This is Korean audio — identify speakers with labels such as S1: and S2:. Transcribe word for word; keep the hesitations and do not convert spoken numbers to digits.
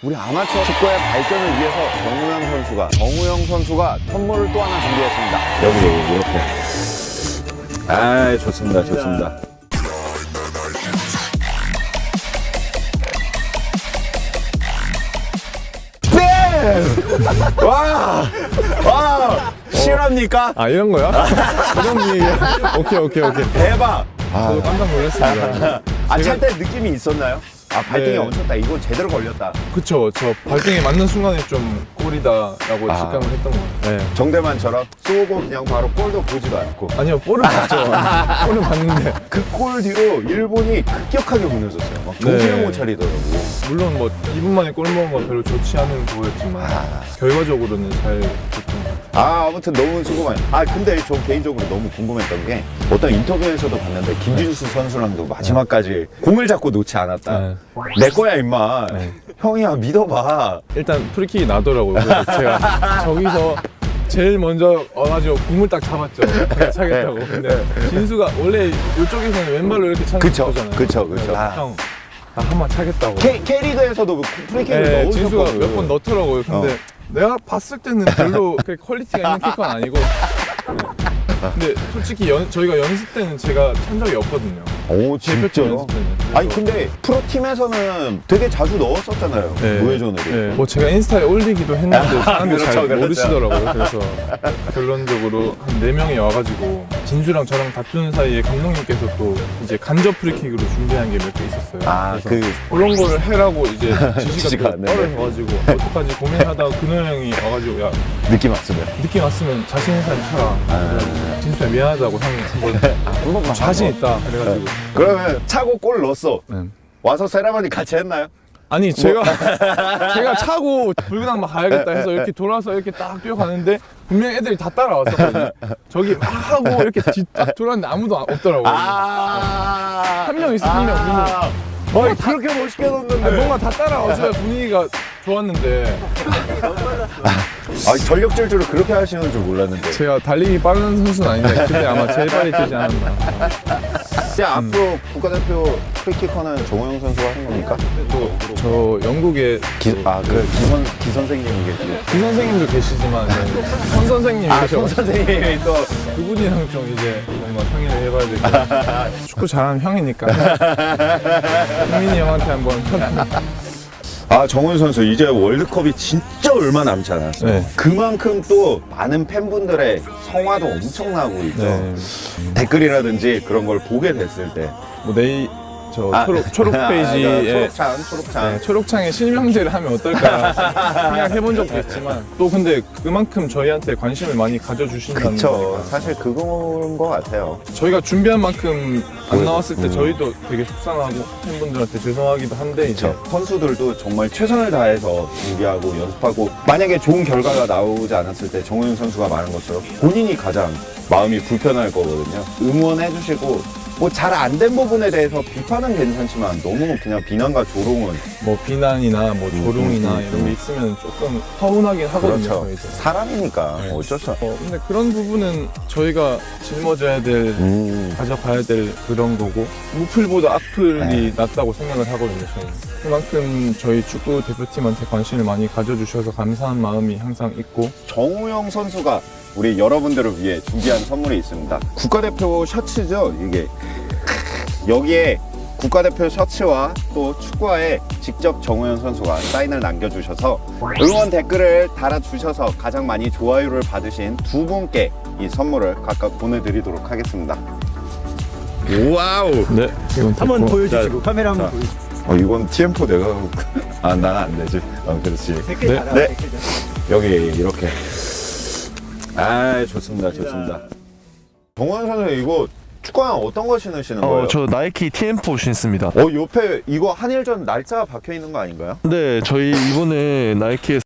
S1: 우리 아마추어 축구의 발전을 위해서 정우영 선수가 정우영 선수가 선물을 또 하나 준비했습니다. 여기 이렇게. 아, 좋습니다, 좋습니다. 네! 와! 와! 실합니까?
S2: 아 이런 거야? 이런 분위기야? 오케이 오케이 오케이.
S1: 대박!
S2: 저도 깜짝 놀랐습니다.
S1: 아, 찰 때 느낌이 있었나요? 아, 발등에
S2: 네.
S1: 얹혔다. 이거 제대로 걸렸다.
S2: 그쵸, 저 발등에 맞는 순간에 좀 골이다라고
S1: 아.
S2: 직감을 했던 거예요. 네.
S1: 정대만처럼 쏘고 그냥 바로 골도 보지도 않고.
S2: 아니요, 볼을 봤죠. 볼을 봤는데
S1: 그 골 뒤로 일본이 급격하게 무너졌어요. 막 정신을
S2: 네.
S1: 못 차리더라고요.
S2: 물론 뭐 이 분 만에 골 먹은 건 별로 좋지 않은 거였지만
S1: 아.
S2: 결과적으로는 잘 됐던 것 같아요.
S1: 아, 아무튼 너무 수고 많이. 아, 근데 저 개인적으로 너무 궁금했던 게 어떤 인터뷰에서도 봤는데 김진수 선수랑도 마지막까지 공을 잡고 놓지 않았다.
S2: 네.
S1: 내 거야, 임마.
S2: 네.
S1: 형이야, 믿어봐.
S2: 일단 프리킥이 나더라고요. 그래서 제가 저기서 제일 먼저 와가지고 공을 딱 잡았죠. 제가 차겠다고. 근데 진수가 원래 이쪽에서는 왼발로 이렇게 차는
S1: 그쵸,
S2: 거잖아요.
S1: 그쵸, 그쵸.
S2: 그래서
S1: 아.
S2: 형, 나 한 번 차겠다고.
S1: K, K리그에서도 프리킥을
S2: 네,
S1: 넣으셨거든.
S2: 진수가 몇 번 넣더라고요. 근데
S1: 어.
S2: 내가 봤을 때는 별로 그렇게 퀄리티가 있는 키커는 아니고. 네. 근데 솔직히 연, 저희가 연습 때는 제가 찬 적이 없거든요.
S1: 오,
S2: 대표팀
S1: 진짜요?
S2: 연습 때는.
S1: 아니, 근데 프로팀에서는 되게 자주 넣었었잖아요.
S2: 네.
S1: 무회전으로.
S2: 네. 뭐 제가 인스타에 올리기도 했는데 사람들이
S1: 그렇죠,
S2: 잘
S1: 그렇죠.
S2: 모르시더라고요. 그래서 결론적으로 한 네 명이 와가지고 진수랑 저랑 다투는 사이에 감독님께서 또 이제 간접 프리킥으로 준비한 게 몇 개 있었어요.
S1: 아,
S2: 그래서
S1: 그.
S2: 그런 거를 해라고 이제
S1: 지시가
S2: 지시가
S1: 네네.
S2: 떨어져가지고 어떡하지 고민하다가 근호 형이 와가지고 야
S1: 느낌 왔으면.
S2: 느낌 왔으면 자신 있는 사람 쳐라.
S1: 아.
S2: 진수야 미안하다고 형이 한번
S1: 한 번만.
S2: 자신 있다 그래가지고.
S1: 그러면 차고 골 넣었어.
S2: 네.
S1: 와서 세라머니 같이 했나요?
S2: 아니 제가 제가 차고 불그당 막 가야겠다 해서 이렇게 돌아서 이렇게 딱 뛰어가는데 분명히 애들이 다 따라왔었거든요. 저기 막 하고 이렇게 뒤딱 돌았는데 아무도 없더라고요.
S1: 아.
S2: 한 명 있어, 한 명.
S1: 아. 어이, 그렇게 멋있게 넣었는데.
S2: 아니, 뭔가 다 따라와줘야 분위기가 좋았는데
S1: 아, 전력 질주를 그렇게 하시는 줄 몰랐는데.
S2: 제가 달리기 빠른 선수는 아닌데 그때 아마 제일 빨리 뛰지 않았나.
S1: 이제 앞으로 국가대표 프리키커는 정우영 선수가 하는 겁니까?
S2: 또 저 영국에
S1: 기, 아, 그 기선, 기 선생님이 계시고.
S2: 기 선생님도 계시지만 네, 선 선생님이
S1: 아,
S2: 계셔.
S1: 손 선생님이 또.
S2: 그분이랑 좀 이제 뭔가 상의를 해봐야 될 것 같아요. 축구 잘하는 형이니까 흥민이 형한테 한번
S1: 아, 정우영 선수 이제 월드컵이 진짜 얼마 남지 않았어요.
S2: 네.
S1: 그만큼 또 많은 팬분들의 성화도 엄청나고 있죠.
S2: 네.
S1: 댓글이라든지 그런 걸 보게 됐을 때.
S2: 뭐 내일 저
S1: 아,
S2: 초록, 초록 페이지에
S1: 초록창, 초록창.
S2: 네, 초록창에 실명제를 하면 어떨까 생각해본 적도 있지만 또 근데 그만큼 저희한테 관심을 많이 가져주신다는
S1: 그쵸.
S2: 거니까
S1: 사실 그건 것 같아요.
S2: 저희가 준비한 만큼 안
S1: 그,
S2: 나왔을 때
S1: 음.
S2: 저희도 되게 속상하고 팬분들한테 죄송하기도 한데 이제
S1: 그쵸. 선수들도 정말 최선을 다해서 준비하고 연습하고 만약에 좋은 결과가 나오지 않았을 때 정우영 선수가 말한 것처럼 본인이 가장 마음이 불편할 거거든요. 응원해주시고 뭐 잘 안 된 부분에 대해서 비판은 괜찮지만 너무 그냥 비난과 조롱은
S2: 뭐 비난이나 뭐 조롱이나
S1: 음, 음,
S2: 이런
S1: 음.
S2: 게 있으면 조금 서운하긴 하거든요.
S1: 그렇죠.
S2: 저희도.
S1: 사람이니까
S2: 네.
S1: 어쩔 수 없어.
S2: 어, 근데 그런 부분은 저희가 짊어져야 될
S1: 음.
S2: 가져가야 될 그런 거고 무플보다 악플이
S1: 네.
S2: 낫다고 생각을 하거든요. 저희는 그만큼 저희 축구 대표팀한테 관심을 많이 가져주셔서 감사한 마음이 항상 있고
S1: 정우영 선수가 우리 여러분들을 위해 준비한 선물이 있습니다. 국가대표 셔츠죠, 이게. 여기에 국가대표 셔츠와 또 축구화에 직접 정우영 선수가 사인을 남겨주셔서 응원 댓글을 달아주셔서 가장 많이 좋아요를 받으신 두 분께 이 선물을 각각 보내드리도록 하겠습니다. 와우!
S2: 네 이건
S3: 한번
S2: 됐고.
S3: 보여주시고
S1: 자,
S3: 카메라 한번
S1: 자.
S3: 보여주시고
S1: 어, 이건 티엠포 내가 아, 나는 안 되지. 어, 그렇지.
S3: 댓글
S2: 네.
S3: 달아요.
S1: 네.
S3: 댓글 달아요.
S1: 여기 이렇게. 아, 좋습니다, 좋습니다. 정우영 선수 이거 축구화 어떤 거 신으시는 거예요?
S4: 어, 저 나이키 티엠포 신습니다.
S1: 어, 옆에 이거 한일전 날짜 박혀 있는 거 아닌가요?
S4: 네, 저희 이번에 나이키에서